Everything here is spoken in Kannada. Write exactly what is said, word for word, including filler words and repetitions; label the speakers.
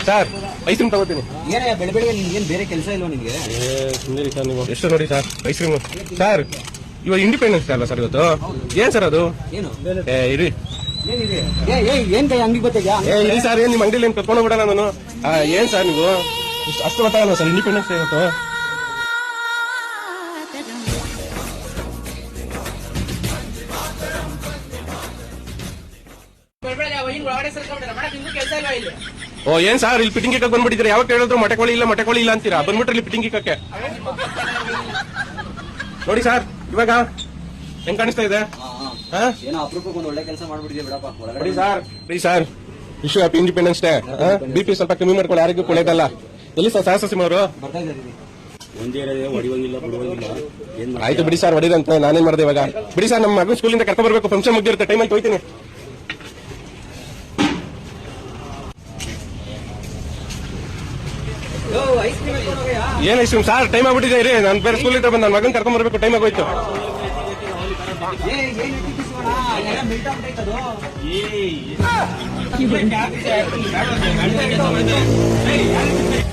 Speaker 1: ಸರ್ ಐಸ್ ಕ್ರೀಮ್ ತಗೋತೀನಿ.
Speaker 2: ಏನೇ ಬೆಳೆ ಬೆಳಗ್ಗೆ ನಿಮ್ಗೆ ಏನ್ ಬೇರೆ ಕೆಲಸ ಇಲ್ವಾ ನಿಮ್ಗೆ?
Speaker 1: ಸುಂದರಿ ಸರ್ ನೀವು ಎಷ್ಟು ನೋಡಿ ಸರ್ ಐಸ್ ಕ್ರೀಮ್ ಸರ್ ಇವಾಗ ಇಂಡಿಪೆಂಡೆನ್ಸ್ ಡೇ ಅಲ್ಲ ಸರ್ ಇವತ್ತು. ಏನ್ ಸರ್ ಅದು?
Speaker 2: ಏನು
Speaker 1: ಏ ಇರಿ
Speaker 2: ಏನ್ ಕೈ ಅಂಗಡಿ ಗೊತ್ತಿದ್ಯಾ?
Speaker 1: ಏ ಇರಿ ಸರ್ ಏನ್ ನಿಮ್ ಅಂಗಡಿಲಿ ಏನ್ ಕರ್ಕೊಂಡು ಬಿಡೋಣ ನಾನು. ಏನ್ ಸರ್ ನೀವು ಇಷ್ಟು ಅಷ್ಟು ಗೊತ್ತಾಗಲ್ಲ ಸರ್ ಇಂಡಿಪೆಂಡೆನ್ಸ್ ಡೇ ಇವತ್ತು. ಓ ಏನ್ ಸರ್ ಇಲ್ಲಿ ಫಿಟ್ಟಿಂಗ್ ಇಕ್ಕಕ್ಕೆ ಬಂದ್ಬಿಟ್ಟಿದ್ರೆ ಯಾವಾಗ ಹೇಳಿದ್ರು ಮೊಟ್ಟೆ ಕೋಳಿ ಇಲ್ಲ ಮೊಟ್ಟೆ ಕೋಳಿ ಇಲ್ಲ ಅಂತೀರಾ ಬಂದ್ಬಿಟ್ರೆ ಇಲ್ಲಿ ಫಿಟ್ಟಿಂಗ್ ಇಕ್ಕಕ್ಕೆ. ನೋಡಿ ಸರ್ ಇವಾಗ ಹೆಂಗ್ ಕಾಣಿಸ್ತಾ ಇದೆ?
Speaker 2: ಏನೋ ಅಪರೂಪಕ್ಕೆ ಒಂದು ಒಳ್ಳೆ ಕೆಲಸ ಮಾಡ್ಬಿಟ್ಟಿದ್ಯಾ ಬಿಡಪ್ಪ.
Speaker 1: ನೋಡಿ sir please sir wish happy independence day. B P ಸ್ವಲ್ಪ ಕಮ್ಮಿ ಮಾಡ್ಕೊಳ್ಳಿ, ಆರೋಗ್ಯ ಒಳ್ಳೇದಲ್ಲ. ಎಲ್ಲಿ ಸರ್ ಸಹಸಿಂಹ ಅವರು?
Speaker 2: ಬರ್ತಾ ಇದ್ದಾರೆ.
Speaker 1: ಆಯ್ತು ಬಿಡಿ ಸರ್ ಹೊಡಿದಂತ ನಾನೇನ್ ಮಾಡಿದೆ ಇವಾಗ. ಬಿಡಿ ಸರ್ ನಮ್ಮ ಮಗನ ಸ್ಕೂಲಿಂದ ಕರ್ಕೊಂಡ್ ಬರ್ಬೇಕು, ಫಂಕ್ಷನ್ ಮುಗಿದಿರುತ್ತೆ, ಟೈಮಲ್ಲಿ ಹೋಯ್ತೀನಿ. ಏನ್ ಐಸ್ ಕ್ರೀಮ್ ಸರ್ ಟೈಮ್ ಆಗ್ಬಿಟ್ಟಿದೆ ರೀ. ನಾನು ಬೇರೆ ಸ್ಕೂಲ್ ಇದ್ರೆ ಬಂದು ನನ್ನ ಮಗನ್ ಕರ್ಕೊಂಡ್ ಬರ್ಬೇಕು, ಟೈಮ್ ಆಗೋಯ್ತು.
Speaker 2: ಏ